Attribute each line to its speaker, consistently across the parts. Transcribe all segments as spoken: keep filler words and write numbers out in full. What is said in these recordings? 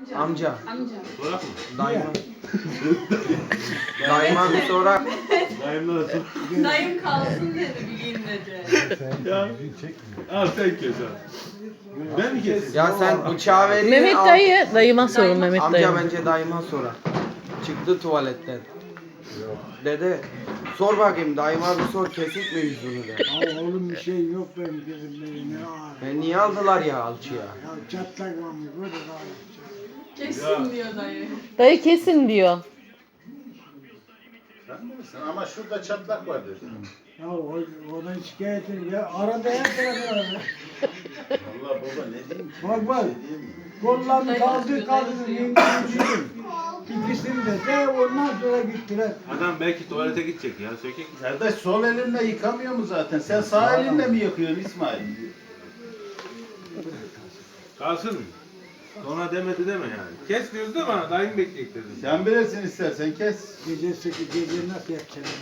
Speaker 1: Amca.
Speaker 2: Amca.
Speaker 3: Sorak mı?
Speaker 1: Dayıma. Dayıma bir sorak.
Speaker 3: Dayımlara sor.
Speaker 2: Dayım kalsın dedi bir gün dedi.
Speaker 3: Ya. Al sen kes al. Ben mi keseyim?
Speaker 1: Ya sen bıçağı verin.
Speaker 4: Mehmet
Speaker 1: al.
Speaker 4: dayı, dayıma sorun Mehmet
Speaker 1: Amca
Speaker 4: dayı.
Speaker 1: bence dayıma sorar. Çıktı tuvaletten. Dede sor bakayım dayıma bir sor kesik mi yüzünü de.
Speaker 5: Ya oğlum bir şey yok benim gözümde ne ağrı.
Speaker 1: E niye aldılar ya alçıya?
Speaker 5: Ya çatlak varmış böyle ağrı.
Speaker 2: Kesin diyor dayı.
Speaker 4: Dayı kesin diyor.
Speaker 6: Sen bilirsin ama şurada çatlak var dedi.
Speaker 5: Ya o, oradan şikayet edin ya arada her tarafı var.
Speaker 6: Vallahi baba ne diyeyim ki?
Speaker 5: Bak bak.
Speaker 6: Ne diyeyim?
Speaker 5: Kollarını kaldır kaldır yengeyi İkisini de de ondan sonra gittiler.
Speaker 3: Adam belki tuvalete gidecek ya. Sökek.
Speaker 6: Kardeş sol elinle yıkamıyor mu zaten? Sen sağ elinle mi yıkıyorsun İsmail?
Speaker 3: Kalsın mı? Sonra demedi deme yani. Kes diyoruz da bana. Dayım bekleyecek dedim.
Speaker 6: Sen bilirsin istersen kes.
Speaker 5: Gece sekiz gece nasıl yatacaksın?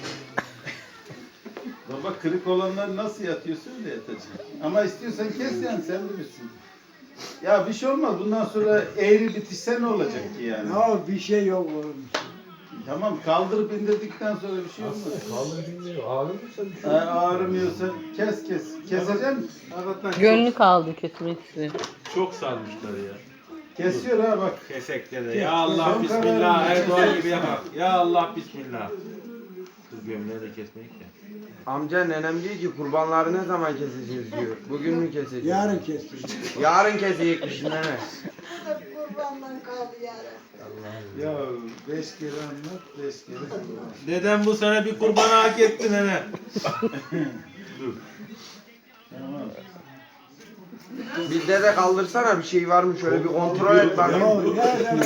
Speaker 6: Baba kırık olanları nasıl yatıyorsun da yatacaksın. Ama istiyorsan kes yani sen bilirsin. Ya bir şey olmaz. Bundan sonra eğri bitişse ne olacak ki yani?
Speaker 5: Ya bir şey yok oğlum.
Speaker 6: Tamam kaldırıp indirdikten sonra bir şey olmaz.
Speaker 7: Kaldır dinliyor. Ağrımıyorsa bir şey
Speaker 6: Ha, ağrımıyorsa kes kes. Keseceksin.
Speaker 3: Hakikaten
Speaker 4: Gönlü kaldı kesmek istiyor.
Speaker 3: çok, çok sarmışlar ya.
Speaker 6: Kesiyor ha bak.
Speaker 3: Kesekte de. Ya Allah bismillah. Erdoğan gibi yapar. Ya Allah bismillah. Kız gömleği de kesmeyik ya.
Speaker 1: Amca nenem diyor ki kurbanları ne zaman keseceğiz diyor. Bugün mü keseceğiz?
Speaker 5: Yarın kestim.
Speaker 1: Yarın kesecekmiş nene.
Speaker 8: Kurbandan kaldı yarın.
Speaker 6: Ya beş kere anlat, beş kere anlat.
Speaker 3: Dedem bu sene bir kurbanı hak etti nene. Dur.
Speaker 6: Tamam.
Speaker 1: Bir dede kaldırsana bir şey var mı şöyle bir kontrol et
Speaker 5: Ya
Speaker 1: bakayım.
Speaker 5: nereden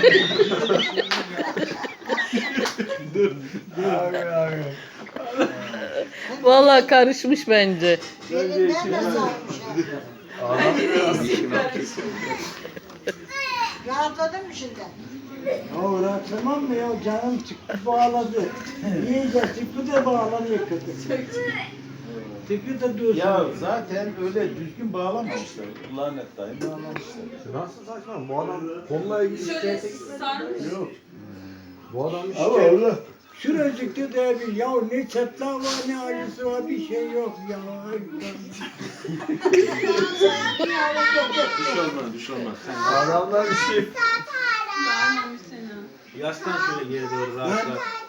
Speaker 4: Vallahi karışmış bence.
Speaker 8: Belinden de sarmış ya. Rahatladın mı şimdi?
Speaker 5: Ya rahatlamam mı ya canım çıktı bağladı. İyice çıktı da bağlanıyor kötü. Çıktı da dursun.
Speaker 6: Ya zaten öyle düzgün bağlamamışlar. Lanet dayı bağlamışlar.
Speaker 7: Nasıl saçma? Bu adam konula ilgili
Speaker 2: Şöyle
Speaker 7: şikayete
Speaker 2: sarmış.
Speaker 6: Yok.
Speaker 7: Bu adam
Speaker 5: Ama
Speaker 7: şikayet.
Speaker 5: öyle. Şuracıkta da bir ya ne çatlağı var ne acısı var bir şey yok ya. Ay,
Speaker 3: Bir şey olmaz, bir şey olmaz. Sen
Speaker 7: Adamlar bir şey.
Speaker 2: Bağırmamış seni.
Speaker 3: yaslan şöyle geri doğru rahatla.